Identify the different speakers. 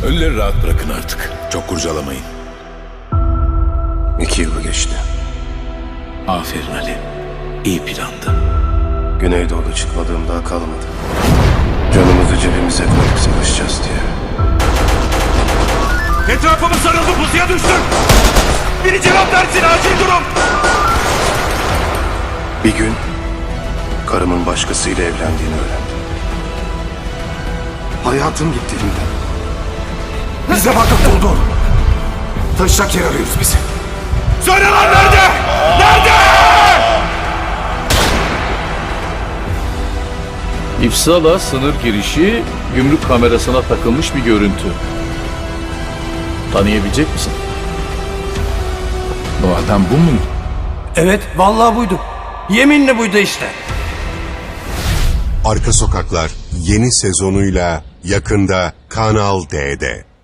Speaker 1: Ölüleri rahat bırakın artık. Çok kurcalamayın.
Speaker 2: 2 yılı geçti.
Speaker 1: Aferin Ali. İyi plandı.
Speaker 2: Güneydoğu'da çıkmadığım daha kalmadı. Canımızı cebimize koyup savaşacağız diye.
Speaker 3: Etrafımız sarıldı, pusuya düştüm. Biri cevap versin, acil durum.
Speaker 2: Bir gün karımın başkasıyla evlendiğini öğrendim. Hayatım gitti elimden.
Speaker 3: Bize vakıf buldun. Taşacak yer arıyoruz bizi. Söyle lan nerede? Nerede?
Speaker 4: İfsala sınır girişi gümrük kamerasına takılmış bir görüntü. Tanıyabilecek misin?
Speaker 1: Bu adam bu mu?
Speaker 5: Evet, vallahi buydu. Yeminle buydu işte.
Speaker 6: Arka Sokaklar yeni sezonuyla yakında Kanal D'de.